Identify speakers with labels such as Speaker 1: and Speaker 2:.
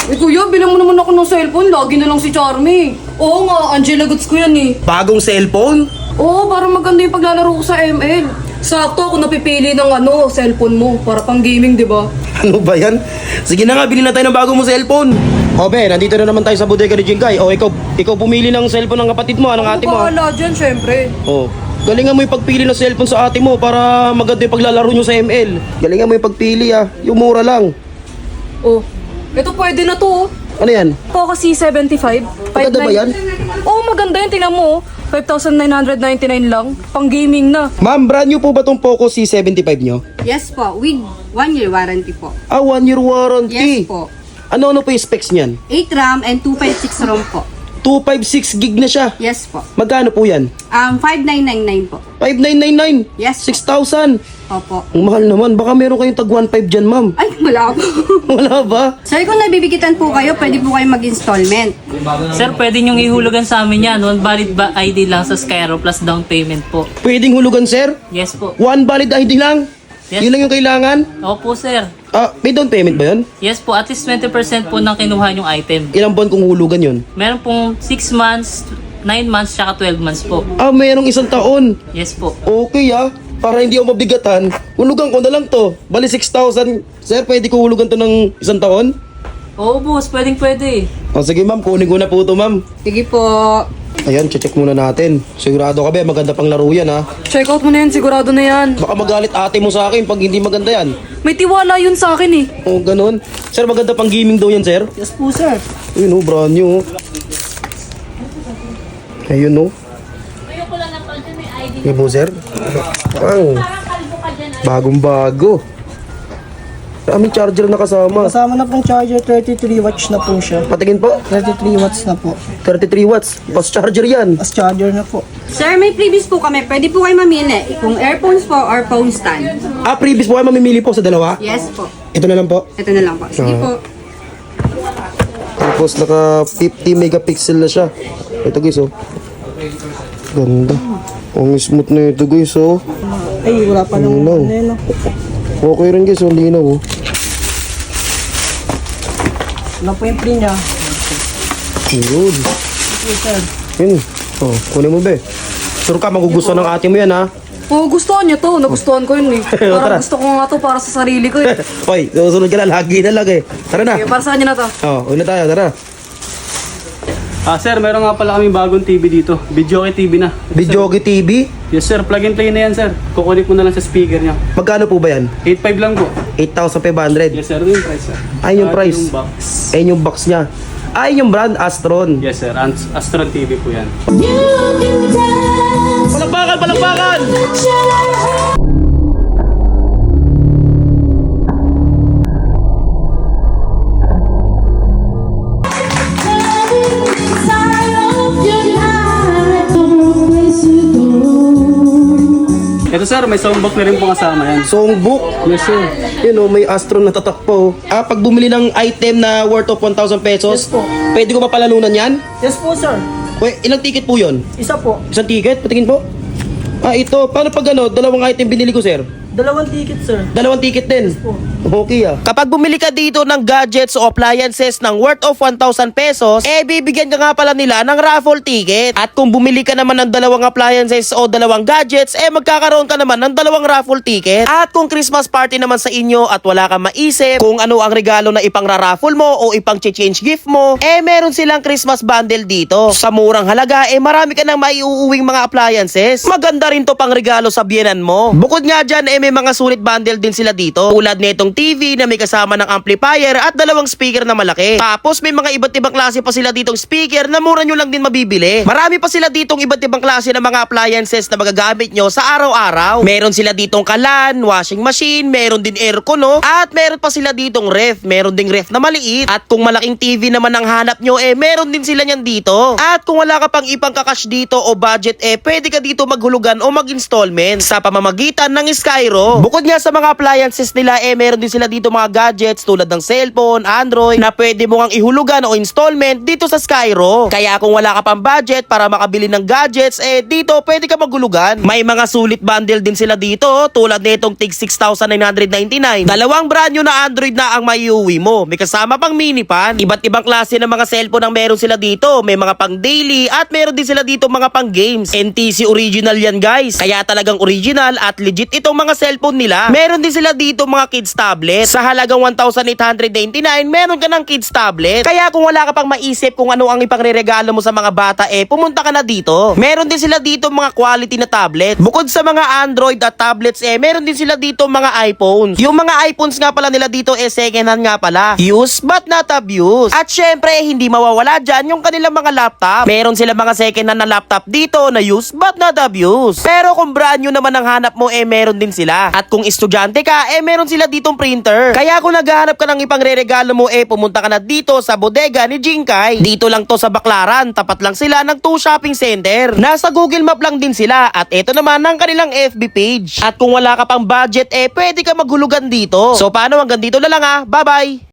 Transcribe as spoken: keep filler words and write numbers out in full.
Speaker 1: Eh kuya, bilang mo naman ako ng cellphone, lagi na lang si Charmy. Oo nga, Angela Goods ko yan eh.
Speaker 2: Bagong cellphone?
Speaker 1: Oo, para maganda yung paglalaro ko sa M L. Sakto ako napipili ng ano, cellphone mo, para pang gaming, di ba?
Speaker 2: Ano ba yan? Sige na nga, bilhin na tayo ng bagong mo cellphone. O be, nandito na naman tayo sa bodega ni Jingkay. O ikaw, ikaw pumili ng cellphone ng kapatid mo, ng ate mo.
Speaker 1: Ako bahala dyan, syempre.
Speaker 2: O, galingan mo yung pagpili ng cellphone sa ate mo para maganda yung paglalaro nyo sa M L. Galingan mo yung pagpili ah, yung mura lang.
Speaker 1: Oh, ito pwede na to oh.
Speaker 2: Ano yan?
Speaker 1: Poco C seventy-five.
Speaker 2: Maganda ba yan?
Speaker 1: Oo, maganda yan. Tingnan mo oh. five thousand nine hundred ninety-nine lang. Pang gaming na.
Speaker 2: Ma'am, brand new po ba tong Poco C seventy-five nyo?
Speaker 3: Yes po, with one year warranty po.
Speaker 2: Ah, one year warranty.
Speaker 3: Yes po.
Speaker 2: Ano-ano po yung specs niyan?
Speaker 3: eight RAM and two fifty-six ROM po.
Speaker 2: two fifty-six gig na siya.
Speaker 3: Yes po.
Speaker 2: Magkano po yan?
Speaker 3: Um, five nine nine nine po.
Speaker 2: five nine nine nine.
Speaker 3: Yes.
Speaker 2: six thousand.
Speaker 3: Opo.
Speaker 2: Ang mahal naman. Baka meron kayong tag one five dyan, ma'am.
Speaker 3: Ay, wala po.
Speaker 2: Wala ba?
Speaker 3: Sir, kung nabibigitan po kayo, pwede po kayo mag-installment.
Speaker 4: Sir, pwede niyong ihulugan sa amin yan. One valid ba I D lang sa Skyro plus down payment po.
Speaker 2: Pwedeng hulugan, sir?
Speaker 4: Yes po.
Speaker 2: One valid I D lang?
Speaker 4: Yes.
Speaker 2: Yun lang yung kailangan?
Speaker 4: Opo, sir.
Speaker 2: Ah, may down payment ba yun?
Speaker 4: Yes po, at least twenty percent po ng kinuha yung item.
Speaker 2: Ilang buwan kung hulugan yun?
Speaker 4: Meron pong six months, nine months, tsaka twelve months po.
Speaker 2: Ah, mayroong isang taon.
Speaker 4: Yes po.
Speaker 2: Okay ah. Para hindi ako mabigatan, hulugan ko na lang to. Bali six thousand. Sir, pwede ko hulugan to ng isang taon?
Speaker 4: Oo, boss. Pwedeng pwede.
Speaker 2: O sige ma'am, kunin ko na po to ma'am.
Speaker 3: Sige po.
Speaker 2: Ayan, check muna natin. Sigurado ka ba, maganda pang laro yan ha.
Speaker 1: Check out mo na yan, sigurado na yan.
Speaker 2: Baka magalit ate mo sa akin pag hindi maganda yan.
Speaker 1: May tiwala yun sa akin eh.
Speaker 2: O ganun. Sir, maganda pang gaming daw yan, sir.
Speaker 4: Yes po, sir.
Speaker 2: Ayun o, brand new. oh. Ayun o. Ayun po, sir. Ang bagong bago. Daming charger na kasama.
Speaker 5: Kasama na pong charger, thirty-three watts na po siya.
Speaker 2: Patingin po.
Speaker 5: thirty-three watts na po.
Speaker 2: thirty-three watts. Fast charger yan.
Speaker 5: As charger na po.
Speaker 3: Sir, may previous po kami. Pwede po kayo mamili kung earphones po or phone stand.
Speaker 2: Ah, previous po kayo mamimili po sa dalawa?
Speaker 3: Yes po.
Speaker 2: Ito na lang po.
Speaker 3: Ito na lang po. Sige
Speaker 2: Ah.
Speaker 3: po.
Speaker 2: Tapos naka fifty megapixel na siya. Ito guys oh. Ganda. Ang smooth na ito guys oh.
Speaker 5: Ay, wala pa nang
Speaker 2: Linaw.
Speaker 5: ano yun, no?
Speaker 2: Okay rin guys, ang linaw oh.
Speaker 5: Ano po yung free niya?
Speaker 2: Yun.
Speaker 5: Okay, sir.
Speaker 2: Yun. Oh, kunin mo be. Sure ka, magugustuhan ng ate mo yan ha.
Speaker 1: Oo, gustuhan niya to. Nagustuhan ko yun eh.
Speaker 2: Tara.
Speaker 1: Parang gusto ko nga to para sa sarili ko eh.
Speaker 2: Hoy, susunod ka na, lagi na lang eh. Tara na.
Speaker 1: Okay, para sa kanya na to.
Speaker 2: Oh, una tayo, tara.
Speaker 6: Ah, sir, meron nga pala kaming bagong T V dito. Videoke T V na.
Speaker 2: Videoke T V.
Speaker 6: Yes, sir. Plug and play na yan, sir. Kukunik mo na lang sa speaker niya.
Speaker 2: Magkano po ba yan?
Speaker 6: eight five lang po.
Speaker 2: eight thousand five hundred.
Speaker 6: Yes, sir. Ito yung price, sir.
Speaker 2: Ay, yung
Speaker 6: Ah,
Speaker 2: price.
Speaker 6: Yung box.
Speaker 2: Ayun yung box niya. Ay, yung brand Astron.
Speaker 6: Yes, sir. Ast- Astron T V po yan.
Speaker 2: Palakpakan, palakpakan!
Speaker 6: Ito, sir. May soundbox na rin po kasama yan.
Speaker 2: Songbook.
Speaker 6: Yes, sir.
Speaker 2: Yun oh, may Astron na tatak po. Ah, pag bumili ng item na worth of one thousand pesos,
Speaker 5: Yes po.
Speaker 2: pwede ko mapalalunan yan?
Speaker 5: Yes po, sir.
Speaker 2: Wait, ilang ticket po yun?
Speaker 5: Isa po.
Speaker 2: Isang ticket? Patingin po. Ah, ito. Paano pag ano, dalawang item binili ko, sir?
Speaker 5: Dalawang ticket, sir.
Speaker 2: Dalawang ticket din.
Speaker 5: po.
Speaker 2: Okay ah. Kapag bumili ka dito ng gadgets o appliances ng worth of one thousand pesos, eh bibigyan ka nga pala nila ng raffle ticket. At kung bumili ka naman ng dalawang appliances o dalawang gadgets, eh magkakaroon ka naman ng dalawang raffle ticket. At kung Christmas party naman sa inyo at wala kang maisip kung ano ang regalo na ipang-raffle mo o ipang-change gift mo, eh meron silang Christmas bundle dito. Sa murang halaga, eh marami ka nang maiuuwing mga appliances. Maganda rin to pang regalo sa biyenan mo. Bukod nga dyan, eh may mga sulit bundle din sila dito. Tulad nitong T V na may kasama ng amplifier at dalawang speaker na malaki. Tapos may mga iba't ibang klase pa sila ditong speaker na mura nyo lang din mabibili. Marami pa sila ditong iba't ibang klase ng mga appliances na magagamit nyo sa araw-araw. Meron sila ditong kalan, washing machine, meron din aircon no? At meron pa sila ditong ref. Meron ding ref na maliit. At kung malaking T V naman ang hanap nyo, eh meron din sila nyan dito. At kung wala ka pang ipang kakash dito o budget, eh pwede ka dito maghulugan o mag-installment sa pamamagitan ng Skyro Skyro. Bukod nga sa mga appliances nila, eh meron din sila dito mga gadgets tulad ng cellphone, Android, na pwede mo kang ihulugan o installment dito sa Skyro. Kaya kung wala ka pang budget para makabili ng gadgets, eh dito pwede ka maghulugan. May mga sulit bundle din sila dito tulad nitong tig six thousand nine hundred ninety-nine. Dalawang brand new na Android na ang maiuwi mo. May kasama pang mini pan. Iba't ibang klase ng mga cellphone ang meron sila dito. May mga pang daily at meron din sila dito mga pang games. N T C original yan guys. Kaya talagang original at legit itong mga cellphone nila. Meron din sila dito mga kids tablet. Sa halagang one thousand eight hundred ninety-nine, meron ka ng kids tablet. Kaya kung wala ka pang maisip kung ano ang ipangreregalo mo sa mga bata, eh pumunta ka na dito. Meron din sila dito mga quality na tablet. Bukod sa mga Android at tablets, eh meron din sila dito mga iPhones. Yung mga iPhones nga pala nila dito, eh second hand nga pala. Use but not abuse. At syempre, hindi mawawala dyan yung kanilang mga laptop. Meron sila mga second hand na laptop dito na use but not abuse. Pero kung brand new naman ang hanap mo, eh meron din sila. At kung estudyante ka, eh meron sila ditong printer. Kaya kung naghahanap ka ng ipangreregalo mo, eh pumunta ka na dito sa bodega ni Jinkai. Dito lang to sa Baclaran, tapat lang sila ng two shopping center. Nasa Google Map lang din sila at ito naman ang kanilang F B page. At kung wala ka pang budget, eh pwede ka maghulugan dito. So paano, hanggang dito na lang ah. Bye bye!